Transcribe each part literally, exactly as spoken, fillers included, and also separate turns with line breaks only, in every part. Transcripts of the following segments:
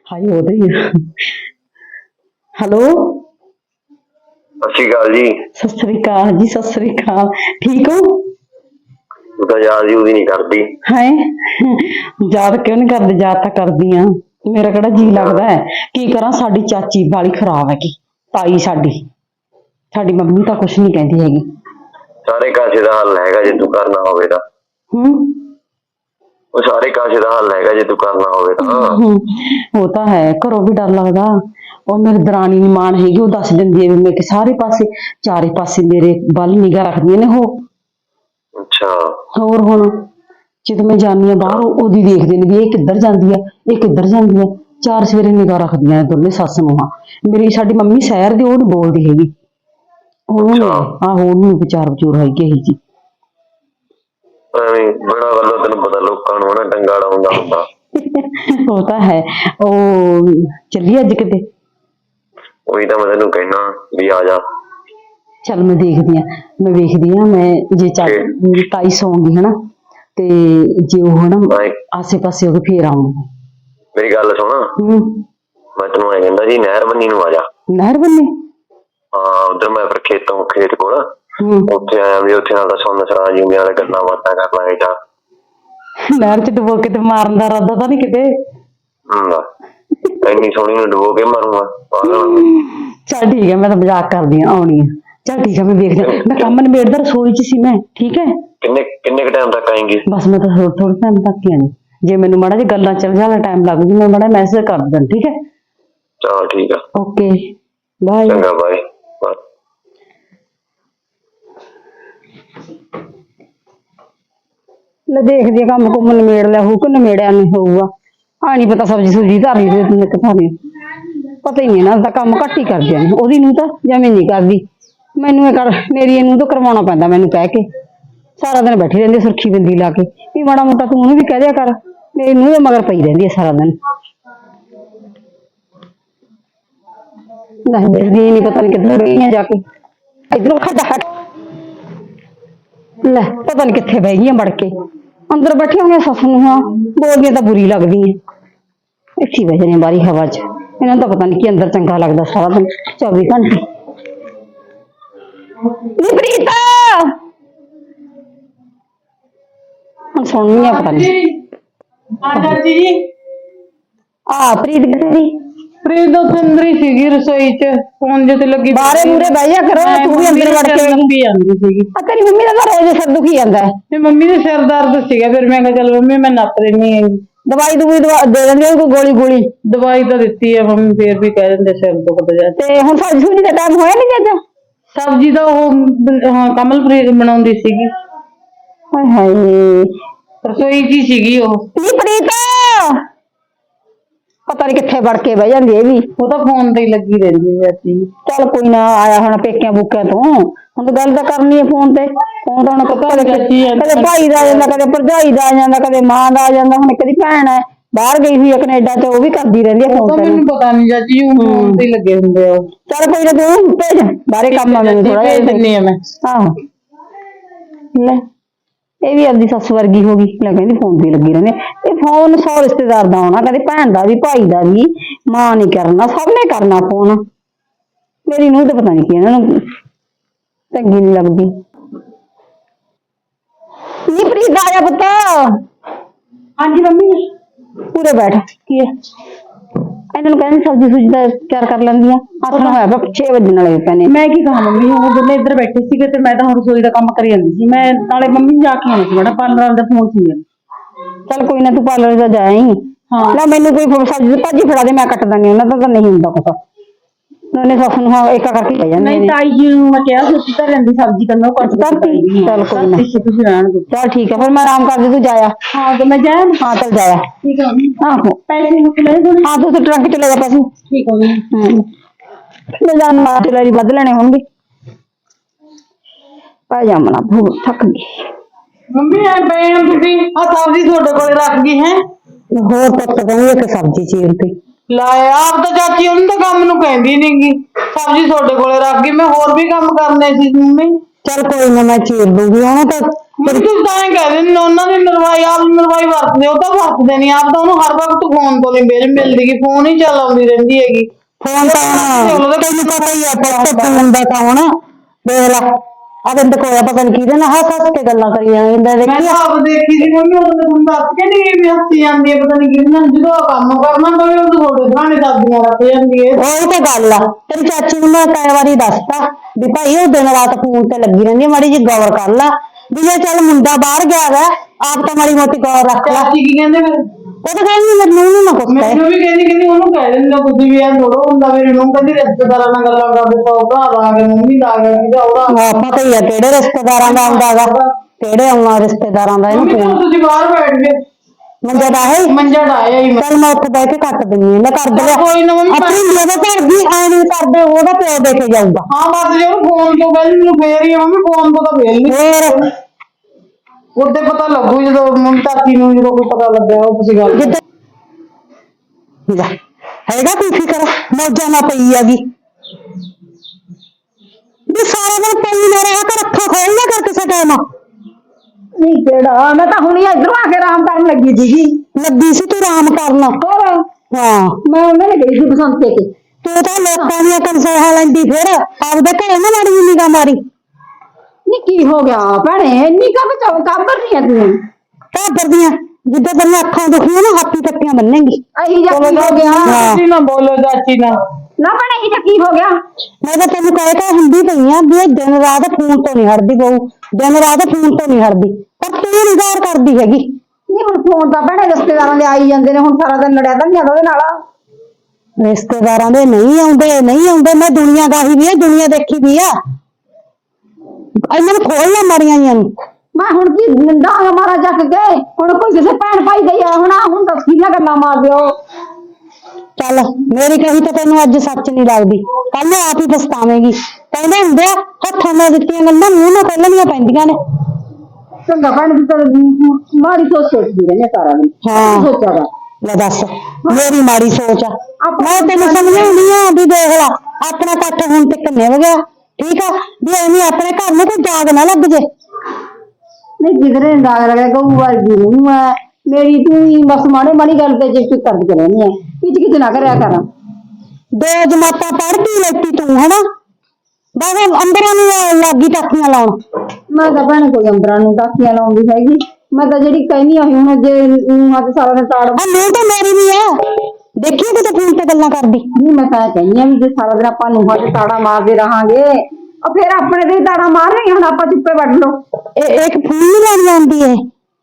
हाय हो रही है। हेलो
सत श्री अकाल जी।
सत श्री अकाल जी, सत श्री अकाल। ठीक हो?
तू तो याद ही नहीं करती
है। याद क्यों नहीं करदी? याद तो करदी आ। मेरा केड़ा जी लगदा है? की करा, साडी चाची बाली खराब है की ताई साडी साडी मम्मी तो कुछ नहीं कहती हैगी।
सारे कासे का हल हैगा जे तू करना होवे तां।
हम्म
ਉਹ ਸਾਰੇ ਕਾਸੇ ਦਾ ਹੱਲ ਹੈਗਾ ਜੇ ਤੂੰ ਕਰਨਾ ਹੋਵੇ ਤਾਂ।
वो तो है, घरों भी डर लगदा। और मेरी दरानी नी मान हैगी, वो दस दिंदी है भी मैं सारे पासे चारे पासे मेरे बल निगाह रखदियां ने वो।
अच्छा
होर हुण ਜਦੋਂ मैं जानी आ बाहर ओदी देखदे ने भी ये किधर जांदी है, ये किधर जांदी है। चार सवेरे निगाह रखदियां ने दोने सੱਸ ਨੂੰਹਾਂ। मेरी साडी मम्मी शहर दी, ਉਹ नी बोलदी हैगी। ਉਹਨੂੰ आहो ਉਹਨੂੰ विचार विचूर हैगी ਇਹੀ जी।
ਐਵੇਂ ਬੜਾ ਵੱਲੋਂ ਤੈਨੂੰ ਪਤਾ ਲੋਕਾਂ ਨੂੰ ਨਾ ਡੰਗਾ ਲਾਉਂਦਾ ਹੁੰਦਾ।
ਉਹ ਤਾਂ ਹੈ। ਉਹ ਚੱਲੀ ਅੱਜ ਕਿਤੇ?
ਉਹੀ ਤਾਂ ਮੈਂ ਤੈਨੂੰ ਕਹਿਣਾ ਵੀ ਆ ਜਾ।
ਚੱਲ ਮੈਂ ਦੇਖਦੀ ਆ, ਮੈਂ ਵੇਖਦੀ ਆ, ਮੈਂ ਜੇ ਚੱਲ ਮੇਰੀ ਤਾਈ ਸੌਂਗੀ ਹਨਾ ਤੇ ਜੇ ਉਹ ਹਨਾ ਆਸੇ ਪਾਸੇ ਉਹਦੇ ਫੇਰ ਆਉਂਗੀ।
ਮੇਰੀ ਗੱਲ ਸੁਣ,
ਹੂੰ
ਮੈਂ ਤੈਨੂੰ ਐ ਕਹਿੰਦਾ ਸੀ ਨਹਿਰ ਬੰਨੀ ਨੂੰ ਆ ਜਾ।
ਨਹਿਰ ਬੰਨੀ?
ਹਾਂ ਉਧਰ ਮੈਂ ਫਿਰ ਖੇਤੋਂ ਖੇਤ ਕੋਲ
ਹੂੰ
ਉੱਥੇ ਆਇਆ ਵੀ ਉੱਥੇ ਨਾਲ ਦਾ ਸੁਣ ਸਰਾ ਜੀ ਨਾਲ ਗੱਲਾਂ ਬਾਤਾਂ ਕਰ ਲਾਂਗੇ ਜਾ।
ਨਹਿਰ ਚ ਡੁਬੋ ਕੇ ਤੇ ਮਾਰਨ ਦਾ ਇਰਾਦਾ ਤਾਂ ਨਹੀਂ ਕਿਤੇ?
ਹੂੰ ਇੰਨੀ ਸੋਹਣੀ ਨੂੰ ਡੁਬੋ ਕੇ ਮਾਰੂੰਗਾ।
ਚੱਲ ਠੀਕ ਹੈ, ਮੈਂ ਤਾਂ ਮਜ਼ਾਕ ਕਰਦੀ ਆ, ਆਉਣੀ ਆ। ਚੱਲ ਠੀਕ ਹੈ, ਮੈਂ ਵੇਖਦੀ ਆ। ਮੈਂ ਕੰਮ ਨਿਬੇੜਦਾ, ਰਸੋਈ ਚ ਸੀ ਮੈਂ। ਠੀਕ ਹੈ,
ਕਿੰਨੇ ਕਿੰਨੇ ਕ ਟਾਈਮ ਤੱਕ ਆਏਂਗੀ?
ਬਸ ਮੈਂ ਤਾਂ ਥੋੜਾ ਥੋੜਾ ਟਾਈਮ ਤੱਕ ਹੀ ਆਣੀ। ਜੇ ਮੈਨੂੰ ਮਾੜਾ ਜਿਹਾ ਗੱਲਾਂ ਚੱਲ ਜਾਣਾ ਟਾਈਮ ਲੱਗ ਜੂ, ਮੈਂ ਮਾੜਾ ਮੈਸੇਜ ਕਰ ਦਿੰਦਾ। ਠੀਕ ਹੈ,
ਚਲ ਠੀਕ ਆ,
ਓਕੇ ਬਾਏ।
ਚੰਗਾ ਬਾਏ ਬਾਏ।
ਲੈ ਦੇਖਦੀ ਆ, ਕੰਮ ਕੁੰਮ ਨਿਬੇੜ ਲਿਆ ਹੋਊ ਕਿ ਨਿਬੇੜਿਆ ਨਹੀਂ ਹੋਊਗਾ। ਆ ਨਹੀਂ ਪਤਾ ਸਬਜ਼ੀ ਸੁਬਜ਼ੀ ਧਰਨੀ ਤੇ ਕਿੱਥੋਂ ਨਹੀਂ ਪਤਾ ਹੀ ਨਹੀਂ ਨਾ, ਤਾਂ ਕੰਮ ਘੱਟ ਹੀ ਕਰਦੀਆਂ ਨੇ। ਉਹਦੀ ਨੂੰ ਤਾਂ ਜਮੇ ਨਹੀਂ ਕਰਦੀ, ਮੈਨੂੰ ਇਹ ਕਰ ਮੇਰੀ ਇਹਨੂੰ ਤਾਂ ਕਰਵਾਉਣਾ ਪੈਂਦਾ ਮੈਨੂੰ ਕਹਿ ਕੇ। ਸਾਰਾ ਦਿਨ ਬੈਠੀ ਰਹਿੰਦੀ ਸੁਰਖੀ ਬਿੰਦੀ ਲਾ ਕੇ ਵੀ ਮਾੜਾ ਮੋਟਾ ਤੂੰ ਉਹਨੂੰ ਵੀ ਕਹਿ ਦਿਆ ਕਰ। ਮੇਰੀ ਨੂੰਹ ਦੇ ਮਗਰ ਪਈ ਰਹਿੰਦੀ ਹੈ ਸਾਰਾ ਦਿਨ। ਨਹੀਂ ਦੇਖਦੀ ਨਹੀਂ, ਪਤਾ ਨਹੀਂ ਕਿੱਧਰ ਗਈਆਂ ਜਾ ਕੇ। ਇੱਧਰੋਂ ਖੱਡਾ ਹਟ ਲੈ, ਪਤਾ ਨਹੀਂ ਕਿੱਥੇ ਬਹਿ ਗਈਆਂ ਵੜ ਕੇ। ਅੰਦਰ ਬੈਠੀਆਂ ਹੋਈਆਂ ਸੱਸ ਨੂੰਹਾਂ, ਬੋਲਦੀਆਂ ਤਾਂ ਬੁਰੀ ਲੱਗਦੀ ਹੈ। ਇੱਥੇ ਬਹਿ ਜਾਂਦੀਆਂ ਬਾਹਰੀ ਹਵਾ ਚ। ਇਹਨਾਂ ਨੂੰ ਤਾਂ ਪਤਾ ਨਹੀਂ ਕੀ ਅੰਦਰ ਚੰਗਾ ਲੱਗਦਾ ਸਾਰਾ ਦਿਨ ਚੌਵੀ ਘੰਟੇ। ਨੀ ਪ੍ਰੀਤਾ ਹੁਣ ਸੁਣਨੀ ਆ, ਪਤਾ ਨਹੀਂ
ਆ ਚਾਚੀ ਜੀ।
ਆ ਪ੍ਰੀਤ ਕਿੱਥੇ?
ਪ੍ਰੀਤ ਤਾਂ ਅੰਦਰ ਹੀ ਸੀਗੀ ਰਸੋਈ ਚ, ਫੋਨ ਜੇ ਤੇ ਲੱਗੀ।
ਬਾਹਰੇ ਮੂਰੇ ਬਹਿ ਜਾ ਕਰੋ, ਤੂੰ ਵੀ ਅੰਦਰ ਵੜ ਕੇ
ਲੰਬੀ ਜਾਂਦੀ ਸੀਗੀ।
ਆ ਤੇਰੀ ਮੰਮੀ ਦਾ ਤਾਂ ਰੋਜ਼ ਸਿਰ ਦੁਖੀ ਜਾਂਦਾ ਹੈ।
ਤੇ ਮੰਮੀ ਦੇ ਸਿਰ ਦਰਦ ਸੀਗਾ, ਫਿਰ ਮੈਂ ਕਿਹਾ ਚੱਲ ਮੰਮੀ ਮੈਂ ਨੱਪ ਲੈਣੀ ਹੈਗੀ।
ਦਵਾਈ ਦਵਾਈ ਦੇ ਦਿੰਦੀ ਕੋਈ ਗੋਲੀ ਗੋਲੀ?
ਦਵਾਈ ਤਾਂ ਦਿੱਤੀ ਹੈ ਮੰਮੀ, ਫੇਰ ਵੀ ਕਹਿ ਦਿੰਦੇ ਸਿਰ ਦੁਖਦਾ ਜਾ।
ਤੇ ਹੁਣ ਸਬਜ਼ੀ ਸੁਬਜ਼ੀ ਦਾ ਟਾਈਮ ਹੋਇਆ ਨਹੀਂ ਅੱਜ?
ਸਬਜ਼ੀ ਤਾਂ ਉਹ ਹਾਂ ਕਮਲਪ੍ਰੀਤ ਬਣਾਉਂਦੀ ਸੀਗੀ।
ਹਾਏ ਹਾਏ,
ਰਸੋਈ ਚ ਹੀ ਸੀਗੀ ਉਹ।
ਨੀ ਪ੍ਰੀਤ ਪਤਾ ਨਹੀਂ ਕਿੱਥੇ ਵੜ ਕੇ ਬਹਿ ਜਾਂਦੀ ਇਹ ਵੀ।
ਉਹ ਤਾਂ ਫੋਨ ਤੇ ਹੀ ਲੱਗੀ ਰਹਿੰਦੀ ਚਾਚੀ।
ਚੱਲ ਕੋਈ ਨਾ, ਆਇਆ ਹੁਣ ਪੇਕਿਆਂ ਬੁੱਕਿਆਂ ਤੋਂ, ਹੁਣ ਤਾਂ ਗੱਲ ਤਾਂ ਕਰਨੀ ਹੈ ਫੋਨ ਤੇ। ਫੋਨ ਤਾਂ ਹੁਣ ਕਦੇ ਕਦੇ ਭਾਈ ਦਾ ਆ ਜਾਂਦਾ, ਕਦੇ ਭਰਜਾਈ ਦਾ ਆ ਜਾਂਦਾ, ਕਦੇ ਮਾਂ ਦਾ ਆ ਜਾਂਦਾ। ਹੁਣ ਕਦੀ ਭੈਣ ਹੈ ਬਾਹਰ ਗਈ ਹੋਈ ਹੈ ਕੈਨੇਡਾ ਤੇ, ਉਹ ਵੀ ਕਰਦੀ ਰਹਿੰਦੀ ਹੈ
ਉਹ
ਫੋਨ
ਤਾਂ
ਤੇ।
ਮੈਨੂੰ ਪਤਾ ਨਹੀਂ ਚਾਚੀ, ਉਹ ਫੋਨ ਤੇ ਹੀ ਲੱਗੇ ਹੁੰਦੇ ਆ।
ਚੱਲ ਕੋਈ ਨਾ, ਤੂੰ ਭੇਜ ਬਾਹਰੇ ਕੰਮ ਆ ਮੈਨੂੰ ਥੋੜਾ
ਭੇਜ ਦਿੰਨੀ ਆ ਮੈਂ।
ਆਹੋ ਲੈ, ਇਹ ਵੀ ਆਪਦੀ ਸੱਸ ਵਰਗੀ ਹੋ ਗਈ। ਲੈ ਕਹਿੰਦੀ ਫੋਨ ਤੇ ਲੱਗੀ ਰਹਿੰਦੀ। ਇਹ ਫੋਨ ਸੌ ਰਿਸ਼ਤੇਦਾਰ ਦਾ ਆਉਣਾ, ਕਦੇ ਭੈਣ ਦਾ ਵੀ, ਭਾਈ ਦਾ ਵੀ, ਮਾਂ ਨੇ ਕਰਨਾ, ਸਭ ਨੇ ਕਰਨਾ ਫੋਨ। ਮੇਰੀ ਨੂੰਹ ਤੇ ਪਤਾ ਨਹੀਂ ਕੀ ਇਹਨਾਂ ਨੂੰ ਚੰਗੀ ਨਹੀਂ ਲੱਗਦੀ। ਨੀ ਪ੍ਰੀਤ ਆ ਜਾ ਪੁੱਤ।
ਹਾਂਜੀ ਮੰਮੀ।
ਪੂਰੇ ਬੈਠ। ਕੀ ਹੈ ਇਹਨਾਂ ਨੂੰ ਕਹਿੰਦੀ ਸਬਜ਼ੀ ਸੁਬਜ਼ੀ ਦਾ ਤਿਆਰ ਕਰ ਲੈਂਦੀਆਂ। ਆਸਣ ਹੋਇਆ ਪਿਆ, ਛੇ ਵਜਣ ਵਾਲੇ ਪਏ ਨੇ।
ਮੈਂ ਕੀ ਕਹਾਂ ਮੰਮੀ, ਉਹ ਦੋਨੇ ਇੱਧਰ ਬੈਠੇ ਸੀਗੇ ਤੇ ਮੈਂ ਤਾਂ ਹੁਣ ਰਸੋਈ ਦਾ ਕੰਮ ਕਰੀ ਜਾਂਦੀ ਸੀ। ਮੈਂ ਨਾਲੇ ਮੰਮੀ ਜਾ ਕੇ ਆਉਣੀ ਸੀ, ਬੜਾ ਪਾਰਲਰ ਦਾ ਫੋਨ ਸੀ।
ਚੱਲ ਕੋਈ ਨਾ, ਤੂੰ ਪਾਰਲਰ ਦਾ ਜਾਈ।
ਹਾਂ
ਲੈ ਮੈਨੂੰ ਕੋਈ ਸਬਜ਼ੀ ਭਾਜੀ ਫੜਾ ਦੇ, ਮੈਂ ਕੱਟ ਦਿੰਦੀ। ਉਹਨਾਂ ਦਾ ਤਾਂ ਨਹੀਂ ਹੁੰਦਾ ਪਤਾ, ਉਹਨੇ ਸੱਸ ਨੂੰ ਹਾਂ ਏਕਾ ਕਰਕੇ ਪੈ ਜਾਂਦੇ
ਨਹੀਂ
ਨੇ।
ਤਾਈ ਜੀ ਨੂੰ ਮੈਂ ਕਿਹਾ ਸੀ ਤਾਂ ਰਹਿੰਦੀ ਸਬਜ਼ੀ ਕਰਨਾ, ਉਹ ਕੱਟ
ਕਰਤੀ। ਚੱਲ ਕੋਈ ਨਾ,
ਤੁਸੀਂ ਰਹਿਣ ਦਿਓ।
ਚੱਲ ਠੀਕ ਹੈ, ਫਿਰ ਮੈਂ ਆਰਾਮ ਕਰਦੀ, ਤੂੰ ਜਾਇਆ।
ਹਾਂ ਤੇ ਮੈਂ ਜਾਇਆ।
ਹਾਂ ਚੱਲ ਜਾਇਆ।
ਠੀਕ ਹੈ ਮੰਮੀ।
ਆਹੋ
ਪੈਸੇ ਮੁੱਕ ਲੈ ਦੋਨੇ।
ਹਾਂ, ਤੂੰ ਟਰੰਕ ਚ ਲੈ ਜਾ ਪੈਸੇ।
ਠੀਕ ਹੈ ਮੰਮੀ।
ਹਮ ਲੈ ਜਾ, ਮਾਰ ਚਲਾਰੀ ਵੱਧ ਲੈਣੇ ਹੋਣਗੇ। ਪੈ ਜਾ ਮਨਾ, ਭੂਖ ਥੱਕ ਗਈ।
ਮੰਮੀ ਐ ਬੈਣ ਤੁਸੀਂ ਆ ਸਬਜ਼ੀ ਤੁਹਾਡੇ ਕੋਲੇ ਰੱਖ ਗਈ ਹੈ।
ਹੋਰ ਪੁੱਤ ਕਹਿੰਦੀ ਇੱਕ ਸਬਜ਼ੀ ਚੀਰ ਤੇ
ਲਾਏ ਆਪ ਤਾਂ ਚਾਚੀ ਉਹਨੂੰ ਤਾਂ ਕੰਮ ਨੂੰ ਕਹਿੰਦੀ ਨੀ ਗੀ, ਸਬਜ਼ੀ ਤੁਹਾਡੇ ਕੋਲੇ ਰੱਖ ਗਈ। ਮੈਂ ਹੋਰ ਵੀ ਕੰਮ ਕਰਨੇ ਸੀ ਮੰਮੀ।
ਚੱਲ ਕੋਈ ਨਾ, ਮੈਂ ਚੀਰ ਦੂੰਗੀ। ਉਹਨੂੰ ਤਾਂ
ਤੁਸੀਂ ਤਾਂ ਐਂ ਕਹਿ ਦਿੰਦੇ ਉਹਨਾਂ ਦੀ ਨਰਵਾਈ ਆਪ ਨਰਵਾਈ ਵਰਤਦੇ ਉਹ ਤਾਂ ਵਰਤਦੇ ਨਹੀਂ ਆਪ ਤਾਂ ਉਹਨੂੰ ਹਰ ਵਕਤ ਫੋਨ ਤੋਂ ਨਹੀਂ ਮਿਲ ਮਿਲਦੀ ਗੀ ਫੋਨ ਹੀ ਚਲਾਉਂਦੀ ਰਹਿੰਦੀ ਹੈਗੀ
ਫੋਨ ਤਾਂ ਹੁਣ ਤੈਨੂੰ ਪਤਾ ਹੀ ਆ ਪੁੱਤ ਫੋਨ ਦਾ ਤਾਂ ਹੁਣ ਦੇਖ ਲਾ ਆ ਬੰਦ ਕੋਇਆ ਪਤਾ ਨੀ ਕਿਹਦੇ ਨਾਲ ਹੱਸ ਹੱਸ ਕੇ ਗੱਲਾਂ ਕਰੀ ਜਾਂਦਾ
ਮੈਂ
ਦੇਖੀ
ਤਾਂ ਆਪ ਦੇਖੀ ਸੀ ਮੰਮੀ ਉਹ ਤਾਂ ਤੁਹਾਨੂੰ ਦੱਸ ਕੇ ਨਹੀਂ ਵੀ ਹੱਸੀ ਜਾਂਦੀ ਹੈ ਪਤਾ ਨਹੀਂ ਕਿਹਦੇ ਨਾਲ ਜਦੋਂ ਉਹ ਕੰਮ ਕਰਨਾ ਪਵੇ ਉਹ ਤੁਹਾਡੇ ਸਾਹਮਣੇ ਦਾਦੀਆਂ ਰੱਖ ਜਾਂਦੀ ਹੈ
ਉਹੀ ਤਾਂ ਗੱਲ ਆ ਤੇਰੀ ਚਾਚੀ ਨੂੰ ਮੈਂ ਕਈ ਵਾਰੀ ਦੱਸਤਾ ਵੀ ਭਾਈ ਉਹ ਦਿਨ ਰਾਤ ਫੋਨ ਤੇ ਲੱਗੀ ਰਹਿੰਦੀ ਆ ਮਾੜੀ ਜਿਹੀ ਗੌਰ ਕਰ ਲਾ ਵੀ ਜੇ ਚੱਲ ਮੁੰਡਾ ਬਾਹਰ ਗਿਆ ਵਾ ਆਪ ਤਾਂ ਮਾੜੀ ਮੋਟੀ ਗੌਰ ਰੱਖ ਲਾ
ਚਾਚੀ ਕੀ ਕਹਿੰਦੇ ਫਿਰ
ਉਹ ਤਾਂ ਕਹਿੰਦੀ ਮੈਨੂੰ ਨੀ ਨਾ ਕੁਛ ਕਹੇ
ਮੈਨੂੰ ਵੀ ਕਹਿੰਦੀ ਕਹਿੰਦੀ ਉਹਨੂੰ ਕਹਿ ਦਿੰਦਾ ਕੁਝ ਵੀ ਆ ਥੋੜੋ ਹੁੰਦਾ ਮੇਰੇ ਨੂੰ ਕਹਿੰਦੀ ਰਿਸ਼ਤੇਦਾਰਾਂ ਨਾਲ ਗੱਲਾਂ ਕਰਦੇ ਸੌ ਭਰਾ ਦਾ ਆ ਗਿਆ ਮੰਮੀ ਦਾ ਆ ਗਿਆ ਕਿਹਦਾ ਉਹਦਾ
ਹਾਂ ਪਤਾ ਹੀ ਆ ਕਿਹੜੇ ਰਿਸ਼ਤੇਦਾਰਾਂ ਦਾ ਆਉਂਦਾ ਗਾ ਕਿਹੜੇ ਆਉਣਾ ਰਿਸ਼ਤੇਦਾਰਾਂ ਦਾ ਇਹਨੂੰ
ਮੰਮੀ
ਫੋਨ
ਹੁਣ ਤੁਸੀਂ ਬਾਹਰ ਬੈਠ ਗਏ
ਮੰਜਾ ਦਾ ਹੈ
ਮੰਜਾ ਡਾਇਆ ਹੀ ਮੈਂ
ਚੱਲ ਮੈਂ ਉੱਥੇ ਬਹਿ ਕੇ ਕੱਟ ਦਿੰਦੀ ਹਾਂ ਲੈ ਕਰ ਦੇ
ਕੋਈ ਨਾ ਮੰਮੀ
ਆਪਣੀ ਮੇਰੇ ਘਰ ਦੀ ਐ ਨਹੀਂ ਕਰਦੇ ਉਹਦਾ ਪਿਓ ਦੇ ਕੇ ਜਾਊਗਾ
ਹਾਂ ਬਸ ਜੇ ਉਹ ਫੋਨ ਤੋਂ ਪਹਿਲੇ ਮੈਨੂੰ ਫੇਰ ਹੀ ਆ, ਮੰਮੀ ਫੋਨ ਤੋਂ ਤਾਂ ਫੇਰ ਨਹੀਂ
ਹੋਰ
ਉਹਦੇ ਪਤਾ ਲੱਗੂ ਜਦੋਂ ਮੰਮੀ ਚਾਚੀ ਨੂੰ ਜਦੋਂ ਕੋਈ ਪਤਾ ਲੱਗਿਆ ਉਹ ਤੁਸੀਂ ਗੱਲ
ਜਿੱਦ ਲੈ ਹੈਗਾ ਕੋਈ ਫਿਕਰ ਮੌਜਾਂ ਨਾ ਪਈ ਹੈਗੀ ਵੀ ਸਾਰਾ ਦਿਨ ਪਈ ਨਾ ਰਿਹਾ ਕਰ ਅੱਖਾਂ ਖੋਲ ਨਾ ਕਰ ਕਿਸੇ ਟਾਈਮ
ਨਹੀਂ ਕਿਹੜਾ ਮੈਂ ਤਾਂ ਹੁਣੀ ਇਧਰੋਂ ਆ ਕੇ ਆਰਾਮ ਕਰਨ ਲੱਗੀ ਸੀਗੀ
ਲੱਗੀ ਸੀ ਤੂੰ ਆਰਾਮ ਕਰਨ
ਹੋਰ
ਹਾਂ
ਮੈਂ ਉਹਨਾਂ ਨੇ ਗਈ ਸੀ ਬਸੰਤੇ ਤੇ
ਤੂੰ ਤਾਂ ਲੋਕਾਂ ਦੀਆਂ ਕੰਸੋਹਾਂ ਲੈਂਦੀ ਫਿਰ ਆਪਦੇ ਘਰੇ ਨਾ ਮਾੜੀ ਜਿਹੀ ਨਿਗਾਹ ਮਾਰੀ
ਨੀ ਕੀ ਹੋ ਗਿਆ ਭੈਣੇ ਇੰਨੀ ਕਾ ਬਚਾਓ ਕਾਬਰ ਨਹੀਂ ਆ ਤੂੰ
ਘਰ ਦੀਆਂ ਜਿੱਦਾਂ ਤੇਰੀਆਂ ਅੱਖਾਂ ਦੁਖੀਆਂ ਨਾ ਹਾਥੀ ਟੱਕੀਆਂ ਬੰਨੇਂਗੀ
ਅਹੀ ਜਾ ਕੀ ਹੋ ਗਿਆ
ਹਾਂ।
ਤੁਸੀਂ ਨਾ ਬੋਲੋ ਚਾਚੀ ਨਾਲ
ਨਾ ਭੈਣੇ ਇਹ ਕੀ ਹੋ ਗਿਆ
ਮੈਂ ਤਾਂ ਤੈਨੂੰ ਕਹਿ ਕੇ ਹੁੰਦੀ ਪਈ ਆ ਵੀ ਇਹ ਦਿਨ ਰਾਤ ਫੋਨ ਤੋਂ ਨਹੀਂ ਹਟਦੀ ਬਹੂ ਦਿਨ ਰਾਤ ਫੋਨ ਤੋਂ ਨਹੀਂ ਹਟਦੀ ਪਰ ਤੂੰ ਨੀ ਗੌਰ ਕਰਦੀ ਹੈਗੀ
ਨਹੀਂ ਹੁਣ ਫੋਨ ਤਾਂ ਭੈਣੇ ਰਿਸ਼ਤੇਦਾਰਾਂ ਦੇ ਆਈ ਜਾਂਦੇ ਨੇ ਹੁਣ ਸਾਰਾ ਦਿਨ ਲੜਿਆ ਤਾਂ ਨਹੀਂ ਜਾਂਦਾ ਉਹਦੇ ਨਾਲ
ਰਿਸ਼ਤੇਦਾਰਾਂ ਦੇ ਨਹੀਂ ਆਉਂਦੇ ਨਹੀਂ ਆਉਂਦੇ ਮੈਂ ਦੁਨੀਆ ਗਾਹੀ ਵੀ ਆ ਦੁਨੀਆ ਦੇਖੀ ਵੀ ਆ ਇਹਨਾਂ ਨੂੰ ਖੋਲ ਨਾ ਮਾਰੀਆਂ ਜੀਆਂ ਨੂੰ
ਮੈਂ ਹੁਣ ਕੀ ਡਾਂਗ ਮਾਰਾ ਚੱਕ ਕੇ ਹੁਣ ਕੋਈ ਕਿਸੇ ਭੈਣ ਭਾਈ ਗਈ ਆ ਹੁਣ ਆਹ ਹੁਣ ਦੱਸ ਕਿੰਨਾ ਗੱਲਾਂ ਮਾਰ ਦਿਓ
ਚੱਲ ਮੇਰੀ ਕਹੀ ਤਾਂ ਤੈਨੂੰ ਅੱਜ ਸੱਚ ਨਹੀਂ ਲੱਗਦੀ ਕੱਲ ਨੂੰ ਆਪ ਹੀ ਪਛਤਾਵੇਂਗੀ ਕਹਿੰਦੇ ਹੁੰਦੇ ਆ ਹੱਥਾਂ ਨਾਲ ਦਿੱਤੀਆਂ ਗੱਲਾਂ ਮੂੰਹ ਨਾਲ ਕੱਢਣੀਆਂ ਪੈਂਦੀਆਂ ਨੇ
ਚੰਗਾ ਭੈਣ ਦੀ ਤਾਂ ਮਾੜੀ ਸੋਚ ਸੋਚਦੀ ਰਹਿੰਦੀ ਆ ਸਾਰਾ ਦਿਨ
ਹਾਂ।
ਸੋਚਿਆ ਵਾ
ਲੈ ਦੱਸ ਮੇਰੀ ਮਾੜੀ ਸੋਚ ਆ ਮੈਂ ਤੈਨੂੰ ਸਮਝਾਉਂਦੀ ਆ ਵੀ ਦੇਖ ਲਾ ਆਪਣਾ ਕੱਠ ਹੁਣ ਤੇ ਕਿੰਨੇ ਹੋ ਗਿਆ ਠੀਕ ਆ ਵੀ ਐਵੇਂ ਆਪਣੇ ਘਰ ਨੂੰ ਕੋਈ ਜਾਗ ਨਾ ਲੱਗ ਜੇ
ਨਹੀਂ ਜਿਗਰੇ ਦਾਗ ਲਗਾ ਗਊ ਵਰਗੀ ਨੂੰ ਮੈਂ ਮੇਰੀ ਤੂੰ ਹੀ ਬਸ ਮਾੜੇ ਮਾੜੀ ਗੱਲ ਤੇ ਜਿੱਕ ਕਰਦੀ ਰਹਿੰਦੀ ਆ ਕਿਚ ਕਿਚ ਨਾ ਕਰਿਆ ਕਰ
ਦੋ ਜਮਾਤਾਂ ਪੜ੍ਹ ਕੇ ਲੈਤੀ ਤੂੰ ਹਨਾ ਬਸ ਅੰਦਰਾਂ ਨੂੰ ਲੱਗੀ ਟਾਕੀਆਂ ਲਾਉਣ
ਮੈਂ ਤਾਂ ਭੈਣ ਕੋਈ ਅੰਬਰਾਂ ਨੂੰ ਟਾਕੀਆਂ ਲਾਉਂਦੀ ਹੈਗੀ ਮੈਂ ਤਾਂ ਜਿਹੜੀ ਕਹਿੰਦੀ ਆ ਹੁਣ ਜੇ ਹੱਥ ਸਾਰਾ ਦਿਨ ਤਾੜ
ਆ ਮੈਂ ਤਾਂ ਮੇਰੀ ਵੀ ਆ ਦੇਖੀ ਕਿਤੇ ਫੋਨ ਤੇ ਗੱਲਾਂ ਕਰਦੀ
ਨਹੀਂ ਮੈਂ ਤਾਂ ਕਹਿੰਦੀ ਆ ਵੀ ਜੇ ਸਾਰਾ ਦਿਨ ਆਪਾਂ ਨੂੰ ਹੱਥ ਤਾੜਾ ਮਾਰਦੇ ਰਹਾਂਗੇ ਉਹ ਫਿਰ ਆਪਣੇ ਦੇ ਹੀ ਤਾੜਾ ਮਾਰ ਰਹੀ ਹੁਣ ਆਪਾਂ ਚੁੱਪੇ ਵੱਢ ਲਓ
ਇਹ ਇੱਕ ਫੋਨ ਨਹੀਂ ਲੈਣੀ ਆਉਂਦੀ ਏ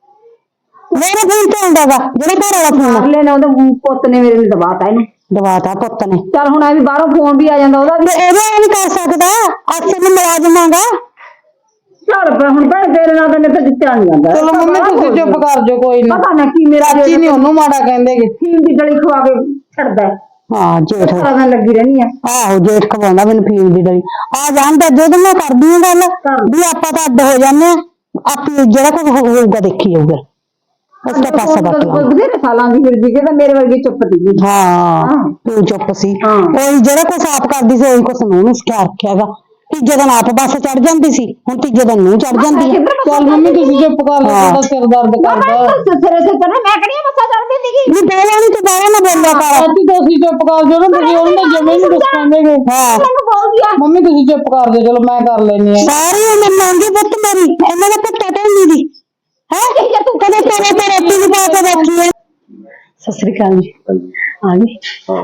ਮੇਰੇ ਫੋਨ ਤੇ ਆਉਂਦਾ ਵਾ ਜਿਹੜਾ ਘਰ ਵਾਲਾ ਫੋਨ
ਅਗਲੇ ਨੇ ਉਹਦੇ ਪੁੱਤ ਨੇ ਮੇਰੇ ਨੂੰ ਦਬਾਤਾ ਇਹਨੂੰ
ਦਵਾਤਾ ਪੁੱਤ ਨੇ
ਚੱਲ ਹੁਣ ਐ ਵੀ ਬਾਹਰੋਂ ਫੋਨ ਵੀ ਆ ਜਾਂਦਾ ਉਹਦਾ ਵੀ
ਤੇ ਇਹਦਾ ਇਹ ਨਹੀਂ ਕਰ ਸਕਦਾ ਅਕਸਰ ਨੂੰ ਮੁਲਾਜ਼ਮਾਂਗਾ
ਚੱਲ ਫਿਰ ਹੁਣ ਭੈਣ ਤੇਰੇ ਨਾਲ ਤਾਂ ਨਿੱਤ ਜਿੱਤਿਆ ਨਹੀਂ ਜਾਂਦਾ
ਚਲੋ ਮੰਮੀ ਤੁਸੀਂ ਚੁੱਪ ਕਰ ਜਾਓ ਕੋਈ ਨਾ
ਪਤਾ ਨਾ ਕੀ ਮੇਰਾ
ਚਾਚੀ ਨਹੀਂ ਉਹਨੂੰ ਮਾੜਾ ਕਹਿੰਦੇਗੇ
ਫੀਮ ਦੀ ਗਲੀ ਖਵਾ ਕੇ ਛੱਡਦਾ ਹੈ।
ਹਾਂ ਜੇਠ
ਸਾਰਾ ਦਿਨ ਲੱਗੀ ਰਹਿਣੀ ਆ
ਆਹੋ ਜੇਠ ਖਵਾਉਂਦਾ ਮੈਨੂੰ ਫੀਮ ਦੀ ਡਲੀ ਆ ਜਾਂਦਾ ਜਦੋਂ ਮੈਂ ਕਰਦੀ ਹਾਂ ਗੱਲ ਵੀ ਆਪਾਂ ਤਾਂ ਅੱਡ ਹੋ ਜਾਂਦੇ ਆ ਆਪੇ ਜਿਹੜਾ ਕੁਝ ਹੋਊਗਾ ਦੇਖੀ ਜਾਊਗਾ ਉਸ ਤੋਂ ਪਾਸਾ ਬੱਟ ਲਾ
ਬਥੇਰੇ ਸਾਲਾਂ ਦੀ ਫਿਰ ਜੀ ਤਾਂ ਮੇਰੇ ਵਰਗੀ ਚੁੱਪ ਸੀ
ਹਾਂ ਤੂੰ ਚੁੱਪ ਸੀ
ਹਾਂ।
ਉਹੀ ਜਿਹੜਾ ਕੁਛ ਆਪ ਕਰਦੀ ਸੀ ਉਹੀ ਕੁਛ ਨੂੰ ਸਿਖਾ ਰੱਖਿਆਗਾ ਤੀਜੇ ਦਿਨ ਆਪ ਬੱਸ ਚੜ ਜਾਂਦੀ ਸੀ ਹੁਣ ਤੀਜੇ ਦਿਨ ਨੂੰ ਚੜ ਜਾਂਦੀ ਹੈ
ਚੱਲ ਮੰਮੀ ਤੁਸੀਂ ਚੁੱਪ ਕਰ ਲਓ ਤੁਹਾਡਾ ਸਿਰ ਦਰਦ ਕਰਦਾ
ਸਿਰੇ ਸਿਰ ਤੇ ਮੈਂ ਕਰੀਏ ਬੱਸਾ ਚੜਦੀ ਸੀਗੀ
ਨਹੀਂ ਬੋਲਿਆ ਨਹੀਂ ਤੇ ਬਾਹਰ ਨਾ ਬੋਲਿਆ ਕਰ
ਚਾਚੀ ਤੁਸੀਂ ਚੁੱਪ ਕਰ ਜਾਓ ਨਾ ਤੁਸੀਂ ਉਹਨਾਂ ਦੇ ਜਮੇ ਨਹੀਂ ਦੱਸਾਂਗੇ
ਹਾਂ
ਮੈਨੂੰ ਬੋਲ ਗਿਆ
ਮੰਮੀ ਤੁਸੀਂ ਚੁੱਪ ਕਰ ਜਾਓ ਚਲੋ ਮੈਂ ਕਰ ਲੈਣੀ ਆ
ਸਾਰੀ ਉਮਰ ਮੰਗੀ ਪੁੱਤ ਮੇਰੀ ਇਹਨਾਂ ਦਾ ਪੱਟਾ ਢੋਂਦੀ ਦੀ ਹੈ
ਜੇ ਤੂੰ
ਕਦੇ ਤੇਰੇ ਤੇ ਰੋਟੀ ਨਹੀਂ ਪਾ ਕੇ ਬੈਠੀ ਹੈ ਸਤਿ ਸ੍ਰੀ ਅਕਾਲ ਜੀ ਆ ਗਈ
ਹਾਂ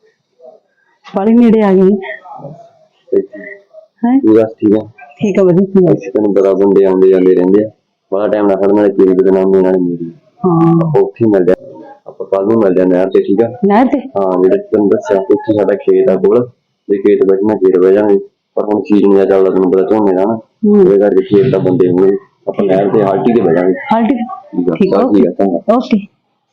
ਬੜੀ ਨੇੜੇ ਆ ਗਈ ਹੈ
ਬਸ ਠੀਕ ਹੈ
ਠੀਕ ਆ ਵਧੀਆ ਠੀਕ ਆ।
ਅਸੀਂ ਤੈਨੂੰ ਪਤਾ ਬੰਦੇ ਆਉਂਦੇ ਜਾਂਦੇ ਰਹਿੰਦੇ ਆ ਬੜਾ ਟਾਈਮ ਨਾਲ ਖੜਨ ਵਾਲੇ ਤੇਰੀ ਬਦਨਾਮੀ ਨਾਲ ਮੇਰੀ
ਹਾਂ
ਆਪਾਂ ਉੱਥੇ ਹੀ ਮਿਲ ਜਾ ਆਪਾਂ ਕੱਲ ਨੂੰ ਮਿਲ ਜਾਂਦੇ ਨਹਿਰ ਤੇ ਠੀਕ ਆ
ਨਹਿਰ ਤੇ
ਹਾਂ ਜਿਹੜੇ ਤੈਨੂੰ ਦੱਸਿਆ ਉੱਥੇ ਸਾਡਾ ਖੇਤ ਆ ਕੋਲ ਜੇ ਖੇਤ ਬੈਠਣਾ ਖੇਤ ਬਹਿ ਜਾਵਾਂਗੇ ਪਰ ਹੁਣ ਸੀਜ਼ਨ ਨਹੀਂ ਚੱਲਦਾ ਤੈਨੂੰ ਪਤਾ ਝੋਨੇ ਦਾ ਨਾ ਉਹਦੇ ਕਰਕੇ ਖੇਤ ਦਾ ਬੰਦੇ ਹੋਣਗੇ ਆਪਾਂ ਨਹਿਰ ਤੇ ਹਾਲਟੀ ਤੇ ਬਹਿ ਜਾਵਾਂਗੇ
ਹਾਲ ਠੀਕ
ਠੀਕ ਆ
ਠੀਕ ਆ
ਚੱਲ ਠੀਕ ਆ ਚੰਗਾ
ਓਕੇ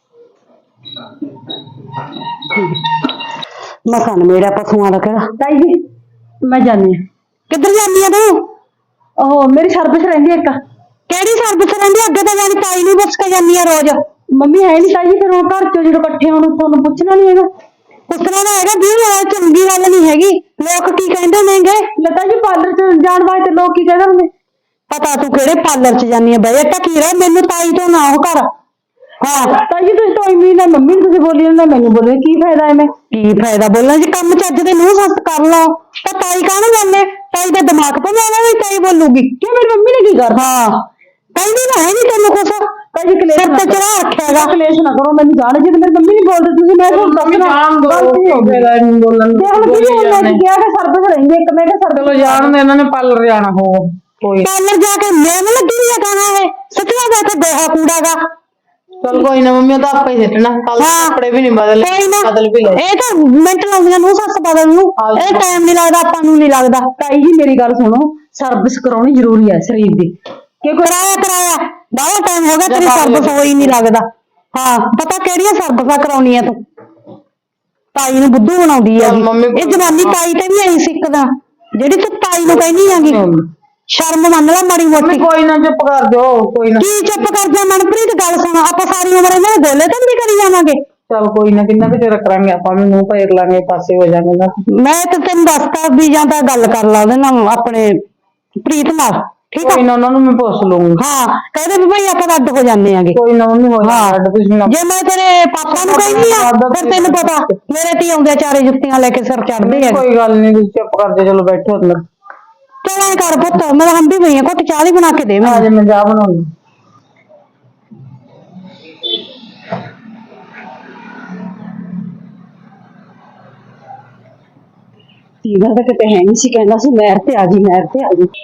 ਮਕਾਨ ਮੇਰਾ ਪਸ਼ੂਆਂ ਦਾ ਕਿਹੜਾ
ਤਾਈ ਜੀ ਮੈਂ ਜਾਣੀ
ਕਿੱਧਰ ਜਾਂਦੀ ਆ ਤੂੰ
ਉਹ ਮੇਰੀ ਸਰਵਿਸ ਰਹਿੰਦੀ ਇੱਕ
ਕਿਹੜੀ ਸਰਵਿਸ ਰਹਿੰਦੀ ਅੱਗੇ ਤਾਂ ਜਾਨੀ ਤਾਈ ਨੂੰ ਪੁੱਛ ਕੇ ਜਾਂਦੀ ਆ ਰੋਜ਼
ਮੰਮੀ ਹੈ ਨਹੀਂ ਤਾਈ ਜੀ ਫਿਰ ਉਹ ਘਰ ਚੋਂ ਜਦੋਂ ਇਕੱਠੇ ਹੋਣ ਤੁਹਾਨੂੰ ਪੁੱਛਣਾ ਨਹੀਂ ਹੈਗਾ
ਪੁੱਛਣਾ ਤਾਂ ਹੈਗਾ ਵੀ ਨਾਲ ਚੰਗੀ ਗੱਲ ਨਹੀਂ ਹੈਗੀ ਲੋਕ ਕੀ ਕਹਿੰਦੇ ਨੇਗੇ
ਲਤਾ ਜੀ ਪਾਰਲਰ ਚ ਜਾਣ ਵਾਸਤੇ ਲੋਕ ਕੀ ਕਹਿੰਦੇ ਹੁੰਦੇ
ਪਤਾ ਤੂੰ ਕਿਹੜੇ ਪਾਰਲਰ ਚ ਜਾਨੀ ਆ ਬਈ ਟਕੀ ਰਹਿ ਮੈਨੂੰ ਤਾਈ ਤੋਂ ਨਾ ਉਹ ਕਰ ਹਾਂ
ਤਾਈ ਜੀ ਤੁਸੀਂ ਤਾਂ ਇੰਨੀ ਨਾ ਮੰਮੀ ਨੂੰ ਤੁਸੀਂ ਬੋਲੀ ਨਾ ਮੈਨੂੰ ਬੋਲੇ ਕੀ ਫਾਇਦਾ ਐਵੇਂ
ਕੀ ਫਾਇਦਾ ਬੋਲਣ ਜੇ ਕੰਮ ਚੱਜ ਦੇ ਨੂੰ ਸੱਸ ਕਰ ਲਓ ਤਾਂ ਤਾਈ ਕਾਹਨੂੰ ਜਾਂਦੇ ਤਾਈ ਦਾ ਦਿਮਾਗ ਤੋਂ ਜਾਣਾ ਵੀ ਤਾਈ ਬੋਲੂਗੀ
ਕਿ ਮੇਰੀ ਮੰਮੀ ਨੇ ਕੀ ਕਰਤਾ
ਹਾਂ ਕਹਿੰਦੀ ਨਾ ਹੈ ਨਹੀਂ ਤੈਨੂੰ ਕੁਛ
ਤਾਈ ਜੀ ਕਲੇਸ਼
ਸਿਰ
ਨਾ
ਤੇ ਚੜਾ ਰੱਖਿਆਗਾ
ਕਲੇਸ਼ ਨਾ ਕਰੋ ਮੈਨੂੰ ਜਾਣ ਜੇ ਮੇਰੀ ਮੰਮੀ ਨਹੀਂ ਬੋਲਦੇ ਤੁਸੀਂ ਮੈਂ ਤੁਹਾਨੂੰ
ਮੰਮੀ
ਦੱਸਣਾ
ਜਾਣ ਦੋ
ਗਲਤੀ ਹੋ ਗਈ
ਫੇਰ ਇਹਨੂੰ ਬੋਲਣ
ਦੇਖ ਲਓ
ਬੋਲੀ
ਜੀ
ਜਾਂਦੇ।
ਮੈਂ ਕਿਹਾ ਕਿ ਸਰਬਸ ਰਹਿੰਦੇ ਇੱਕ ਮੈਂ ਕਿਹਾ ਸਰਬਸ
ਚਲੋ ਜਾਣ ਦੇ ਇਹਨਾਂ ਨੇ ਪਾਰਲਰ ਜਾਣਾ ਹੋਊ ਕੋਈ
ਪਾਰਲਰ ਜਾ ਕੇ ਮੈਂ ਲੱਗੀ ਹੋਈ ਆ ਕਹਾਂ ਇਹ ਸੱਚੀਆਂ ਦਾ ਤੇ ਦੇਹਾ ਕੂੜਾਗਾ
ਚਲ ਕੋਈ ਨਾ ਮੰਮੀ ਉਹ ਤਾਂ ਆਪੇ ਹੀ ਸਿੱਟਣਾ ਕੱਲ
ਹਾਂ।
ਕੱਪੜੇ ਵੀ ਨਹੀਂ ਬਦਲੇ
ਕੋਈ ਨਾ
ਬਦਲ ਵੀ ਲੈ
ਇਹ ਤਾਂ ਮਿੰਟ ਲਾਉਂਦੀਆਂ ਨੂੰ ਸੱਸ ਬਦਲ ਨੂੰ ਇਹ ਟਾਈਮ ਨਹੀਂ ਲੱਗਦਾ ਆਪਾਂ ਨੂੰ ਨਹੀਂ ਲੱਗਦਾ
ਤਾਈ ਜੀ ਮੇਰੀ ਗੱਲ ਸੁਣੋ ਸਰਵਿਸ ਕਰਾਉਣੀ ਜ਼ਰੂਰੀ ਹੈ ਸਰੀਰ ਦੀ
ਕਿ ਕਰਾਇਆ ਕਰਾਇਆ ਬਾਹਲਾ ਟਾਈਮ ਹੋ ਗਿਆ ਤੇਰੀ ਸਰਵਿਸ ਹੋਈ ਨਹੀਂ ਲੱਗਦਾ ਹਾਂ ਪਤਾ ਕਿਹੜੀਆਂ ਸਰਵਿਸਾਂ ਕਰਾਉਣੀਆਂ ਤੂੰ ਤਾਈ ਨੂੰ ਬੁੱਧੂ ਬਣਾਉਂਦੀ ਆ
ਚੱਲ ਮੰਮੀ
ਇਹ ਜਵਾਨੀ ਤਾਈ ਤੇ ਵੀ ਐਂ ਸਿੱਖਦਾ ਜਿਹੜੀ ਤੂੰ ਤਾਈ ਨੂੰ ਕਹਿੰਦੀ ਆਂਗੀ ਸ਼ਰਮ ਮੰਨ ਲੈ ਮਾੜੀ ਮੋਟੀ
ਕੋਈ ਨਾ ਚੁੱਪ ਕਰ ਜਾਓ ਕੋਈ ਨਾ
ਕੀ ਚੁੱਪ ਕਰ ਜਾ ਮਨਪ੍ਰੀਤ ਗੱਲ ਸੁਣ ਆਪਾਂ ਸਾਰੀ ਉਮਰ ਇਹਨਾਂ ਦੇ ਗੋਲੇ ਤਾਂ ਨਹੀਂ ਕਰੀ ਜਾਵਾਂਗੇ
ਚਲ ਕੋਈ ਨਾ ਕਿੰਨਾ ਕੁ ਚਿਰ ਕਰਾਂਗੇ ਆਪਾਂ ਵੀ ਮੂੰਹ ਫੇਰ ਲਾਂਗੇ ਪਾਸੇ ਹੋ ਜਾਾਂਗੇ ਨਾ
ਮੈਂ ਤਾਂ ਤੈਨੂੰ ਦੱਸਤਾ ਵੀ ਜਾਂ ਤਾਂ ਗੱਲ ਕਰ ਲਾ ਉਹਦੇ ਨਾਲ ਆਪਣੇ ਪ੍ਰੀਤ ਨਾਲ ਠੀਕ ਆ
ਕੋਈ ਨਾ ਉਹਨਾਂ ਨੂੰ ਮੈਂ ਪੁੱਛ ਲੂੰਗੀ
ਹਾਂ ਕਹਿੰਦੇ ਵੀ ਭਾਈ ਆਪਾਂ ਅੱਡ ਹੋ ਜਾਂਦੇ ਆਂਗੇ
ਕੋਈ ਨਾ ਮੰਮੀ ਹੋ
ਹਾਂ।
ਜਾਣਾ ਤੁਸੀਂ ਨਾ
ਜੇ ਮੈਂ ਤੇਰੇ ਪਾਪਾ ਨੂੰ ਕਹਿੰਦੀ ਆ ਫਿਰ ਤੈਨੂੰ ਪਤਾ ਮੇਰੇ ਤੇ ਆਉਂਦੇ ਚਾਰੇ ਜੁੱਤੀਆਂ ਲੈ ਕੇ ਸਿਰ ਚੜਦੇ ਆ
ਕੋਈ ਗੱਲ ਨਹੀਂ ਤੁਸੀਂ ਚੁੱਪ ਕਰ ਜਾ ਚਲੋ ਬੈਠੋ ਅੰਦਰ
ਚਲ ਐਂ ਕਰ ਪੁੱਤ ਮੈਂ ਹੰਬੀ ਪਈ ਆ ਘੁੱਟ ਚਾਹ ਦੀ ਬਣਾ ਕੇ ਦੇ
ਆ
ਮੈਨੂੰ
ਜੇ ਮੈਂ ਚਾਹ ਬਣਾਉਂਗੀ
ਤੀਗਾ ਤਾਂ ਕਿਤੇ ਹੈ ਨਹੀਂ ਸੀ ਕਹਿੰਦਾ ਸੀ ਮੈਰ ਤੇ ਆ ਜੀ ਮੈਰ ਤੇ ਆ ਜੀ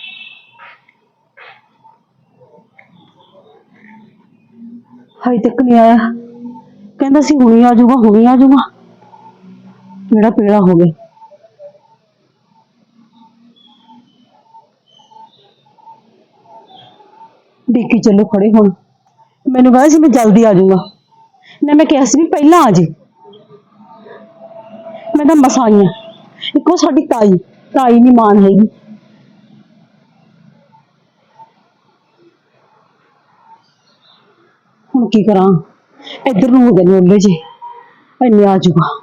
ਹਾਈ ਤੱਕ ਨਹੀਂ ਆਇਆ ਕਹਿੰਦਾ ਸੀ ਹੁਣੀ ਆ ਜਾਊਗਾ ਹੁਣੀ ਆ ਜਾਊਗਾ ਮੇਰਾ ਪੇੜਾ ਹੋ ਗਿਆ ਦੇਖੀ ਚੱਲੋ ਖੜੇ ਹੁਣ ਮੈਨੂੰ ਕਹਿੰਦਾ ਸੀ ਮੈਂ ਜਲਦੀ ਆ ਜਾਊਗਾ ਨਾ ਮੈਂ ਕਿਹਾ ਸੀ ਵੀ ਪਹਿਲਾਂ ਆ ਜੀ ਮੈਂ ਤਾਂ ਮਸਾਂ ਆਈ ਹਾਂ ਇੱਕੋ ਸਾਡੀ ਤਾਈ ਤਾਈ ਨੀ ਮਾਨ ਹੈਗੀ ਹੁਣ ਕੀ ਕਰਾਂ ਇੱਧਰ ਨੂੰ ਹੋ ਗਏ ਨੇ ਉਹਲੇ ਜੀ ਇੰਨੇ ਆ ਜਾਊਗਾ